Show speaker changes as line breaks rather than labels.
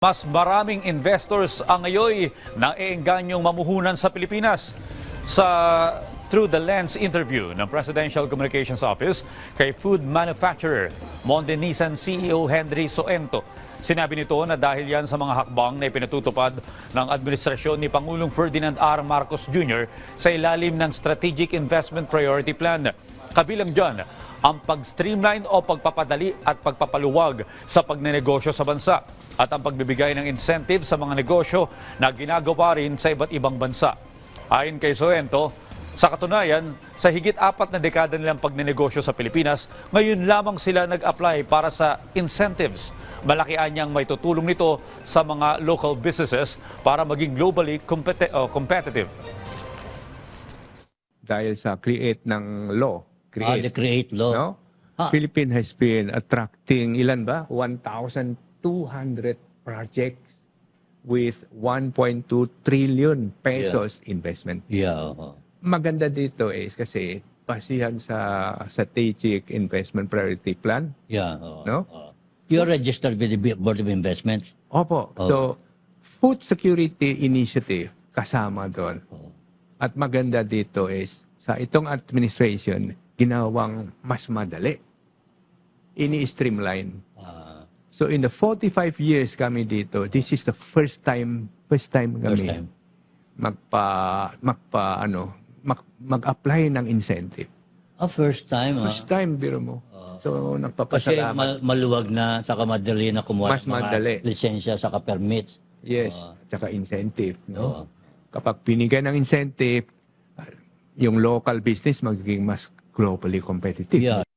Mas maraming investors ang ngayon na eenganyong mamuhunan sa Pilipinas. Through the Lens interview ng Presidential Communications Office kay food manufacturer Mondenisan CEO Henry Soento. Sinabi nito na dahil yan sa mga hakbang na ipinatutupad ng administrasyon ni Pangulong Ferdinand R. Marcos Jr. sa ilalim ng Strategic Investment Priority Plan. Kabilang dyan ang pag-streamline o pagpapadali at pagpapaluwag sa pagnenegosyo sa bansa at ang pagbibigay ng incentive sa mga negosyo na ginagawa rin sa iba't ibang bansa. Ayon kay Soento, sa katunayan, sa higit 4 na dekada nilang pagnenegosyo sa Pilipinas, ngayon lamang sila nag-apply para sa incentives. Malaki anyang may tutulong nito sa mga local businesses para maging globally competitive.
Dahil sa create ng law.
The create law.
No? Philippines has been attracting, ilan ba? 1,200 projects with 1.2 trillion pesos investment.
Yeah.
Maganda dito is kasi basihan sa Strategic Investment Priority Plan.
Yeah.
No?
You're registered with the Board of Investments.
Opo. So, Food Security Initiative kasama doon. At maganda dito is sa itong administration, ginawang mas madali. Ini-streamline. So in the 45 years kami dito, this is the first time kami mag-apply ng incentive.
First time.
First time, biro mo. So
Kasi
nagpapasalamat.
maluwag na, saka madali na kumuha
Mas
ng mga
madali.
lisensya, saka permits.
Yes, tsaka incentive. No? Kapag pinigay ng incentive, yung local business magiging mas globally competitive.
Yeah.